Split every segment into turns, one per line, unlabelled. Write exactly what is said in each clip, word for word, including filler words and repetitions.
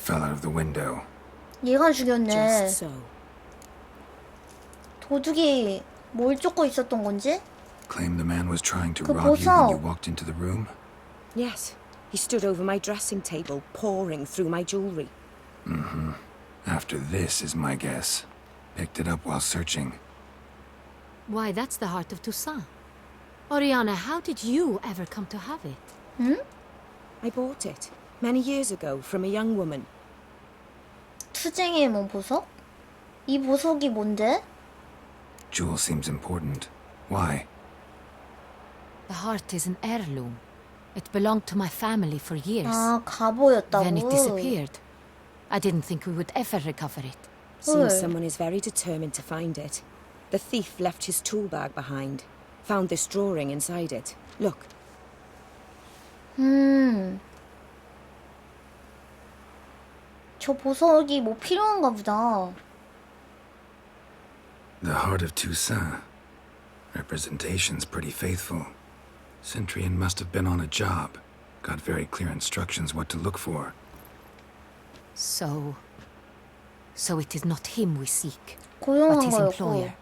fell out of the window.
얘가 죽였네.
Just so.
도둑이 뭘 쫓고 있었던 건지?
Claim the man was trying to
그
rob you when you
보석.
walked into the room?
Yes. He stood over my dressing table, pouring through my jewelry.
Mm-hmm. After this is my guess. Picked it up while searching.
Why, that's the heart of Toussaint. Oriana, how did you ever come to have it?
응?
I bought it many years ago from a young woman.
투쟁의 뭐 보석? 이 보석이 뭔데?
Jewel seems important. Why?
The heart is an heirloom. It belonged to my family for years.
아, 갑오였다고?
Then it disappeared. I didn't think we would ever recover it.
Seems
헐.
someone is very determined to find it. The thief left his tool bag behind. Found this drawing inside it. Look.
음. 저 보석이 뭐 필요한가 보다.
The heart of Toussaint. Representation's pretty faithful. Centurion must have been on a job. Got very clear instructions what to look for.
So... So it is not him we seek, but
고용한
his
거였고.
employer.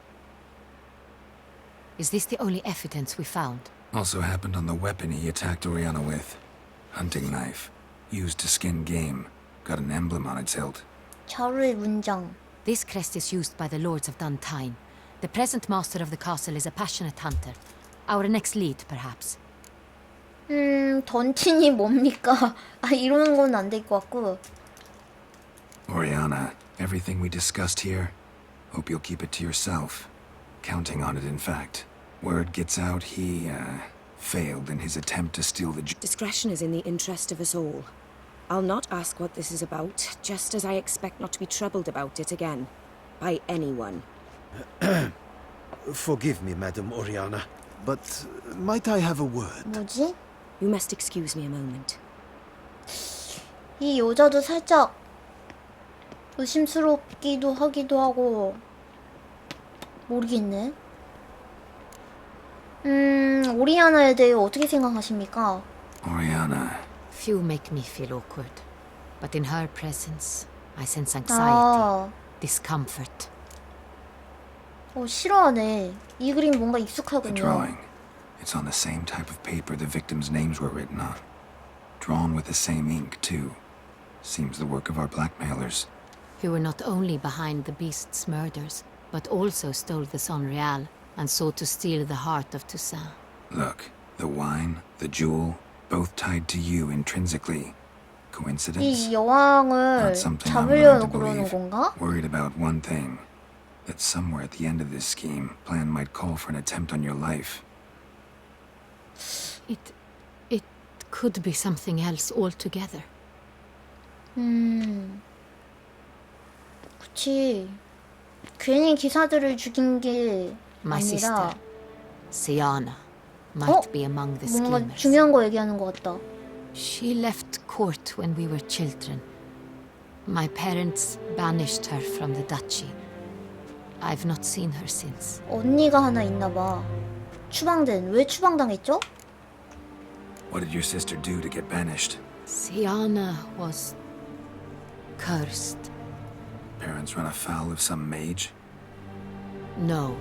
Is this the only evidence we found?
Also happened on the weapon he attacked Oriana with. Hunting knife. Used to skin game. Got an emblem on its hilt.
자루의 문장.
This crest is used by the lords of Duntine. The present master of the castle is a passionate hunter. Our next lead, perhaps.
음, 던틴이 뭡니까? 아, 이러는 건 안 될 것 같고.
Oriana, everything we discussed here, hope you'll keep it to yourself. Counting on it, in fact. Word gets out he, uh, failed in his attempt to steal the...
Discretion is in the interest of us all. I'll not ask what this is about, just as I expect not to be troubled about it again. By anyone.
Forgive me, Madam Oriana, but might I have a word?
뭐지?
You must excuse me a moment.
이 여자도 살짝 의심스럽기도 하기도 하고 모르겠네. 음, 오리아나에 대해 어떻게 생각하십니까?
Oriana.
Few make me feel awkward, but in her presence, I sense anxiety,
아,
discomfort.
어, 싫어하네. 이 그림 뭔가
The
익숙하군요.
drawing. It's on the same type of paper the victims' names were written on. Drawn with the same ink, too. Seems the work of our blackmailers.
Who were not only behind the beast's murders, but also stole the Son Real and sought to steal the heart of Toussaint.
Look, the wine, the jewel, both tied to you intrinsically. Coincidence?
이 여왕을
Not something I'm willing
잡으려고
to
그러는
believe.
건가?
Worried about one thing. That somewhere at the end of this scheme, plan might call for an attempt on your life.
It... it could be something else altogether.
음, 그치. 괜히 기사들을 죽인 게
My
아니라
sister, Siana, might
어?
be among the
뭔가
schemers.
중요한 거 얘기하는 것 같다.
She left court when we were children. My parents banished her from the duchy. I've not seen her since.
언니가 하나 있나 봐. 추방된. 왜 추방당했죠?
What did your sister do to get banished?
Siana was... cursed.
Parents run afoul of some mage?
No.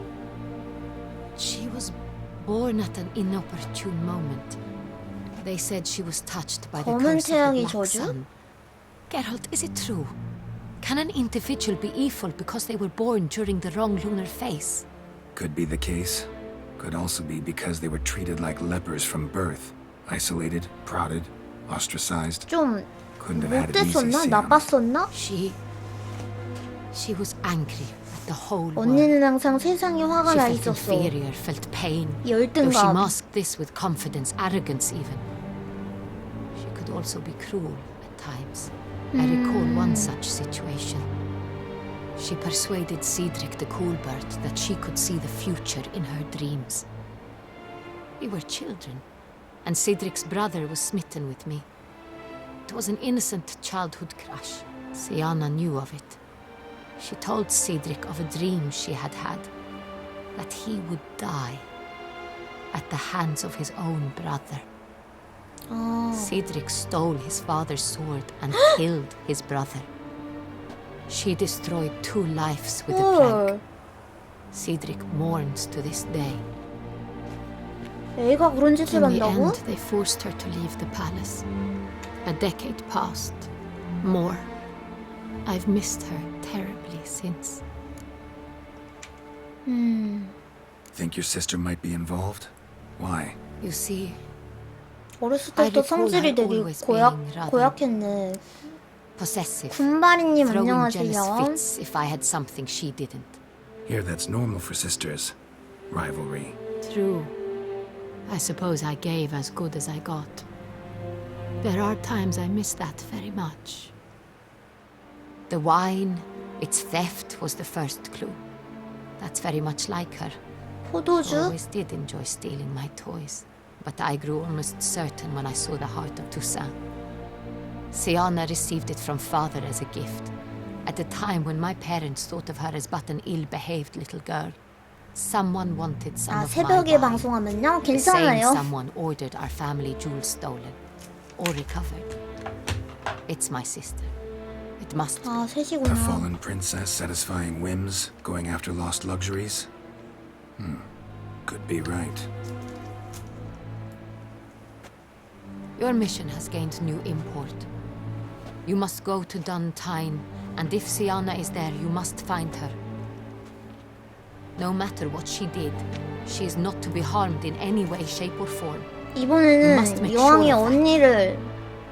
She was born at an inopportune moment. They said she was touched by the
검은
curse of the
태양이
Black
저주?
Sun. Geralt, is it true? Can an individual be evil because they were born during the wrong lunar phase?
Could be the case. Could also be because they were treated like lepers from birth. Isolated, prodded, ostracized.
좀
Couldn't have had it easy,
못됐었나?
Sienna.
나빴었나?
She... She was angry at the whole world.
언니는 항상 세상에 화가
She
나
felt
있었어.
inferior, felt pain. Though she
열등감.
masked this with confidence, arrogance even. She could also be cruel at times. I recall one such situation. She persuaded Cedric the Coolbird that she could see the future in her dreams. We were children, and Cedric's brother was smitten with me. It was an innocent childhood crush. Siana knew of it. She told Cedric of a dream she had had, that he would die at the hands of his own brother.
아,
Cedric stole his father's sword and killed his brother. She destroyed two lives with a plague.
헐.
Cedric mourns to this day.
애가 그런 짓을
In the
한다고?
end, they forced her to leave the palace. A decade passed. More. I've missed her terribly since.
음,
Think your sister might be involved? Why?
You see,
어렸을
I
때부터
recall
성질이
her
되게
always
고약,
being rather
고약했네.
possessive,
군바리님
throwing jealous
안녕하세요.
fits if I had something she didn't.
Here, that's normal for sisters. Rivalry.
True. I suppose I gave as good as I got. There are times I miss that very much. The wine, its theft was the first clue. That's very much like her.
포도주?
Always did enjoy stealing my toys, but I grew almost certain when I saw the heart of Toussaint. Siana received it from father as a gift, at a time when my parents thought of her as but an ill-behaved little girl. Someone wanted some
아,
of my
새벽에
wine.
방송하면요?
The same
괜찮아요.
someone ordered our family jewels stolen or recovered. It's my sister. It must be.
아,
A
셋이구나.
fallen princess satisfying whims, going after lost luxuries? Hmm. Could be right.
Your mission has gained new import. You must go to Duntine, and if Siana is there, you must find her. No matter what she did, she is not to be harmed in any way, shape or form. You must
이번에는
make
여왕의
sure of that.
언니를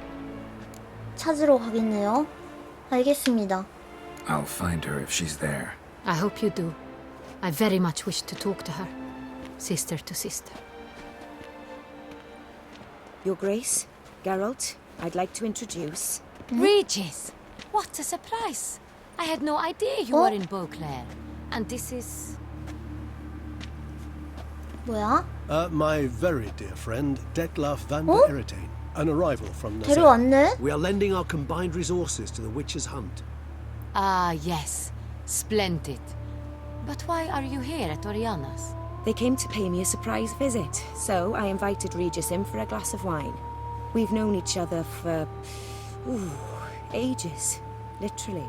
찾으러 가겠네요. 알겠습니다.
I'll find her if she's there.
I hope you do. I very much wish to talk to her. Sister to sister.
Your Grace, Geralt, I'd like to introduce...
Regis! What a surprise! I had no idea you
Oh.
were in Beauclair. And this is...
뭐야?
Uh, my very dear friend, Detlaf van
Oh?
der Eretain, an arrival from Nazar.
데려왔네?
We are lending our combined resources to the Witcher's Hunt.
Ah, yes. Splendid. But why are you here at Oriana's?
They came to pay me a surprise visit, so I invited Regis in for a glass of wine. We've known each other for... Ooh, ages. Literally.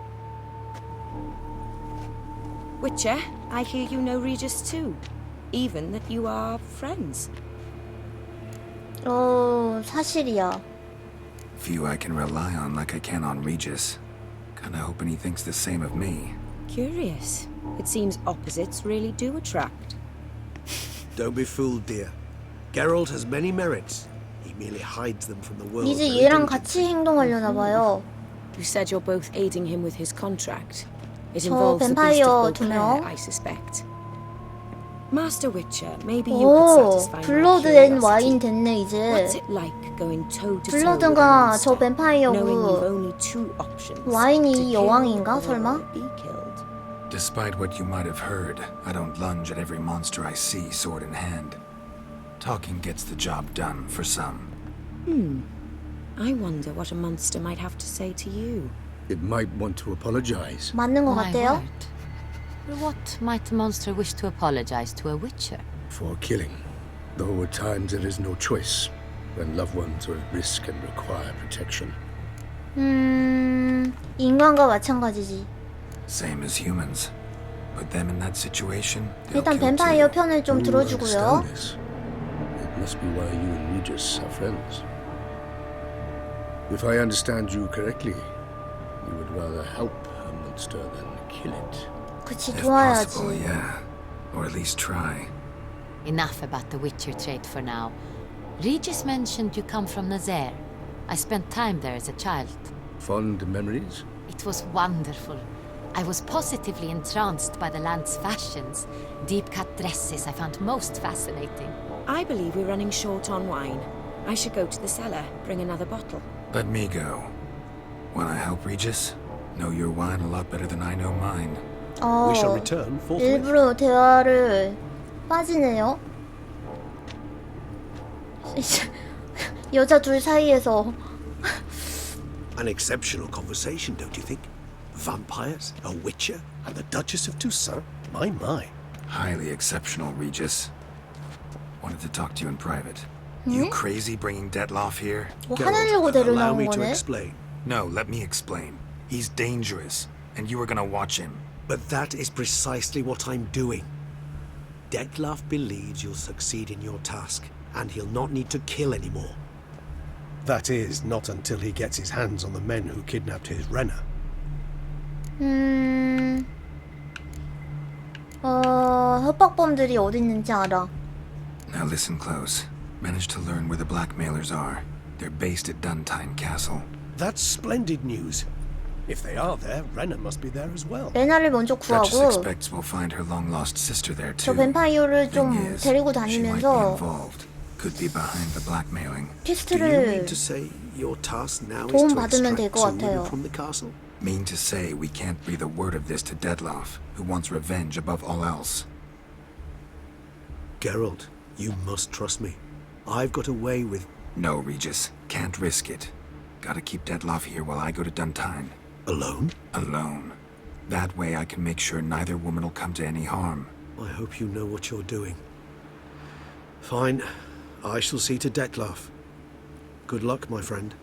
Witcher, I hear you know Regis too. Even that you are friends.
어, 사실이야.
Few I can rely on like I can on Regis. Kinda hoping he thinks the same of me.
Curious. It seems opposites really do attract.
Don't be fooled, dear. Geralt has many merits. He merely hides them from the world.
이제
very
얘랑
diligently.
같이 행동하려나 봐요.
You said you're both aiding him with his contract. It
저
involves the beast
뱀파이어
of
두
Beauclair,
명.
I suspect. Master Witcher, maybe you could
오,
satisfy my
블러드 앤 와인
curiosity.
됐네 이제.
What's it like going toe to toe with a
블러드가
monster,
저
knowing you've
뱀파이어고
only two options,
와인이
to kill
여왕인가,
or
설마?
be killed?
Despite what you might have heard, I don't lunge at every monster I see, sword in hand. Talking gets the job done, for some.
I wonder what a monster might have to say to you.
It might want to apologize.
맞는 것
My
같아요.
word. What might a monster wish to apologize to a witcher?
For killing. Though at times there is no choice when loved ones are at risk and require protection.
음, 인간과 마찬가지지.
Same as humans. Put them in that situation, they'll
일단
kill
뱀파이어
too.
편을 좀
You
들어주고요.
understand this. It must be why you and Regis are friends. If I understand you correctly, you would rather help a monster than kill it.
그치,
If possible,
도와야지.
yeah. Or at least try.
Enough about the witcher trade for now. Regis mentioned you come from Nazaire. I spent time there as a child.
Fond memories?
It was wonderful. I was positively entranced by the land's fashions. Deep-cut dresses I found most fascinating.
I believe we're running short on wine. I should go to the cellar, bring another bottle.
Let me go. Wanna help Regis? Know your wine a lot better than I know mine.
어,
We shall return forthwith.
일부러 대화를 빠지네요. 여자 둘 사이에서
An exceptional conversation, don't you think? Vampires, a witcher,
And the Duchess of Toussaint? My, my.
Highly exceptional, Regis. Wanted to talk to you in private. You crazy bringing Detloff here?
뭐
Geralt,
화내려고
allow
데려나온
me to
거네?
explain.
No, let me explain. He's dangerous, and you were gonna watch him.
But that is precisely what I'm doing. Detloff believes you'll succeed in your task, and he'll not need to kill anymore.
That is, not until he gets his hands on the men who kidnapped his Renna.
음... 어... 협박범들이 어디 있는지 알아.
Now listen close. Managed to learn where the blackmailers are. They're based at Duntine Castle.
That's splendid news. If they are there, Renna must be there as well.
레나를 먼저
Duchess
구하고
expects we'll find her long-lost sister there
저
too.
뱀파이어를 좀
Thing is,
데리고
she might be
다니면서
involved. Could be behind the blackmailing.
Do you
퀘스트를
mean to say your task now is
도움
to
받으면 될
extract
것
two
같아요.
women from the castle?
Mean to say we can't breathe a word of this to Detloff, who wants revenge above all else.
Geralt, you must trust me. I've got a way with...
No, Regis. Can't risk it. Gotta keep Detloff here while I go to Duntine.
Alone?
Alone. That way I can make sure neither woman will come to any harm.
I hope you know what you're doing. Fine. I shall see to Detloff. Good luck, my friend.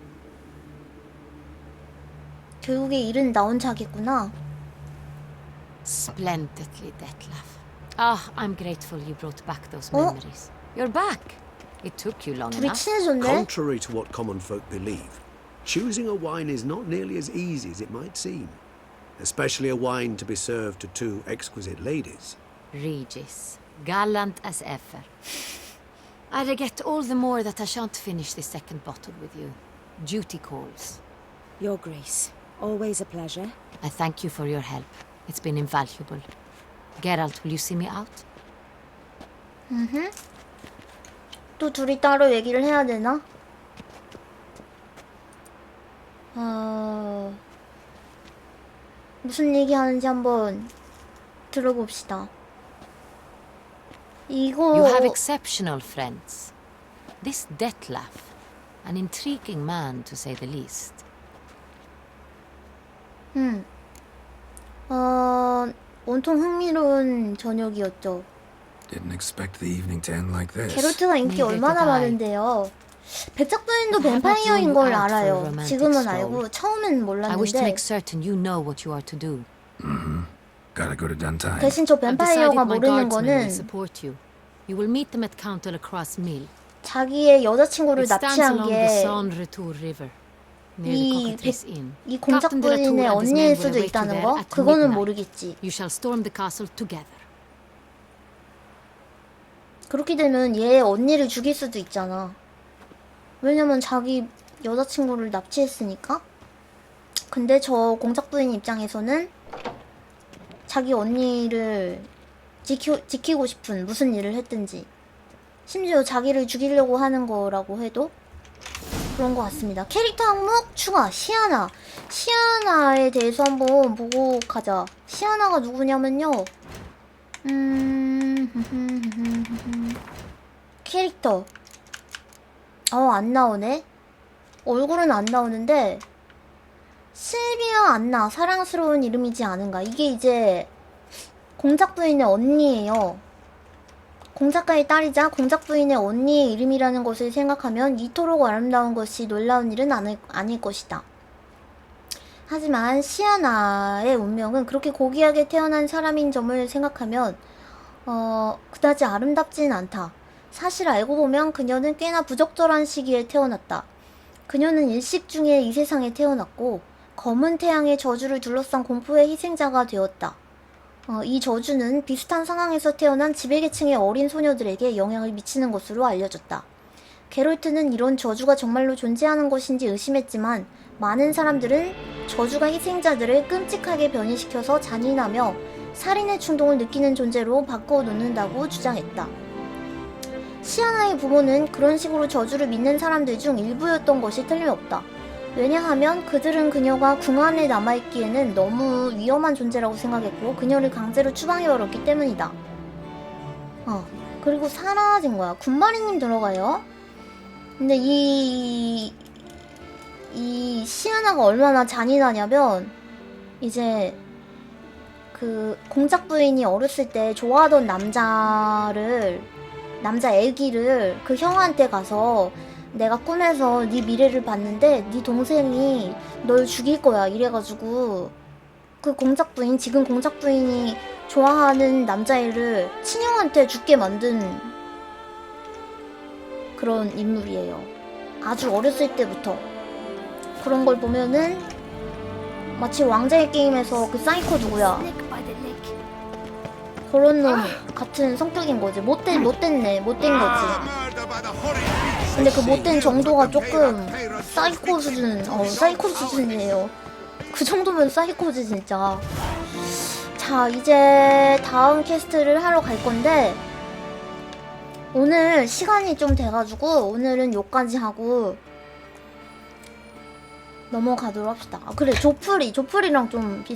결국에 일은 나 혼자 하겠구나.
Splendidly, Detlaff. Ah, I'm grateful you brought back those
Oh.
memories. You're back. It took you long
둘이
enough.
친해졌네?
Contrary to what common folk believe, choosing a wine is not nearly as easy as it might seem. Especially a wine to be served to two exquisite ladies.
Regis, gallant as ever. I regret all the more that I shan't finish this second bottle with you. Duty calls.
Your Grace, always a pleasure.
I thank you for your help. It's been invaluable. Geralt, will you see me out?
또 둘이 따로 얘기를 해야 되나? 어... 무슨 얘기하는지 한번 들어봅시다. 이거
You have exceptional friends. This Detlaff, an intriguing man to say the least.
음. 어... 온통 흥미로운 저녁이었죠.
Didn't expect the evening to end like this.
게롤트가 인기
Neither
얼마나
did I.
많은데요. 백작부인도
I have not
뱀파이어인
drawn
걸
you out for a
알아요.
romantic
지금은
stroll.
알고 처음엔
I wish to
몰랐는데
make certain you know what you are to do.
Gotta go to Duntine.
대신 저
I've decided
뱀파이어가
my
모르는
guardsmen will
거는
support you. You will meet them at Count de la Croix Mill.
자기의 여자친구를
It stands
납치한
along the
게
Saône Retour River, near
이,
the Cockatrice Inn.
이
Captain de la Tour
공작부인의
and his men
언니일
will
수도
await you
있다는
there
거?
at
그거는
midnight.
모르겠지.
You shall storm the castle together.
그렇게 되면 얘 언니를 죽일 수도 있잖아. 왜냐면 자기 여자친구를 납치했으니까. 근데 저 공작부인 입장에서는 자기 언니를 지키, 지키고 싶은 무슨 일을 했든지 심지어 자기를 죽이려고 하는 거라고 해도 그런 것 같습니다. 캐릭터 항목 추가 시아나. 시아나에 대해서 한번 보고 가자. 시아나가 누구냐면요. 음... 캐릭터 어 안나오네. 얼굴은 안 나오는데 실비아 안나 사랑스러운 이름이지 않은가. 이게 이제 공작부인의 언니예요. 공작가의 딸이자 공작부인의 언니의 이름이라는 것을 생각하면 이토록 아름다운 것이 놀라운 일은 아닐, 아닐 것이다. 하지만 시아나의 운명은 그렇게 고귀하게 태어난 사람인 점을 생각하면 어, 그다지 아름답지는 않다. 사실 알고 보면 그녀는 꽤나 부적절한 시기에 태어났다. 그녀는 일식 중에 이 세상에 태어났고 검은 태양의 저주를 둘러싼 공포의 희생자가 되었다. 어, 이 저주는 비슷한 상황에서 태어난 지배계층의 어린 소녀들에게 영향을 미치는 것으로 알려졌다. 게롤트는 이런 저주가 정말로 존재하는 것인지 의심했지만 많은 사람들은 저주가 희생자들을 끔찍하게 변이시켜서 잔인하며 살인의 충동을 느끼는 존재로 바꿔놓는다고 주장했다. 시아나의 부모는 그런 식으로 저주를 믿는 사람들 중 일부였던 것이 틀림없다. 왜냐하면 그들은 그녀가 궁 안에 남아있기에는 너무 위험한 존재라고 생각했고 그녀를 강제로 추방해버렸기 때문이다. 어, 그리고 사라진 거야. 군마리님 들어가요. 근데 이... 이 시아나가 얼마나 잔인하냐면 이제 그 공작 부인이 어렸을 때 좋아하던 남자를 남자 애기를 그 형한테 가서 내가 꿈에서 네 미래를 봤는데 네 동생이 널 죽일 거야 이래가지고 그 공작 부인, 지금 공작 부인이 좋아하는 남자애를 친형한테 죽게 만든 그런 인물이에요. 아주 어렸을 때부터. 그런 걸 보면은 마치 왕자의 게임에서 그 사이코 누구야? 그런 놈 같은 성격인 거지. 못된, 못됐네. 못된 거지. 근데 그 못된 정도가 조금 사이코 수준, 어, 사이코 수준이에요. 그 정도면 사이코지, 진짜. 자, 이제 다음 퀘스트를 하러 갈 건데, 오늘 시간이 좀 돼가지고, 오늘은 요까지 하고, 넘어가도록 합시다. 아, 그래, 조프리. 조프리랑 좀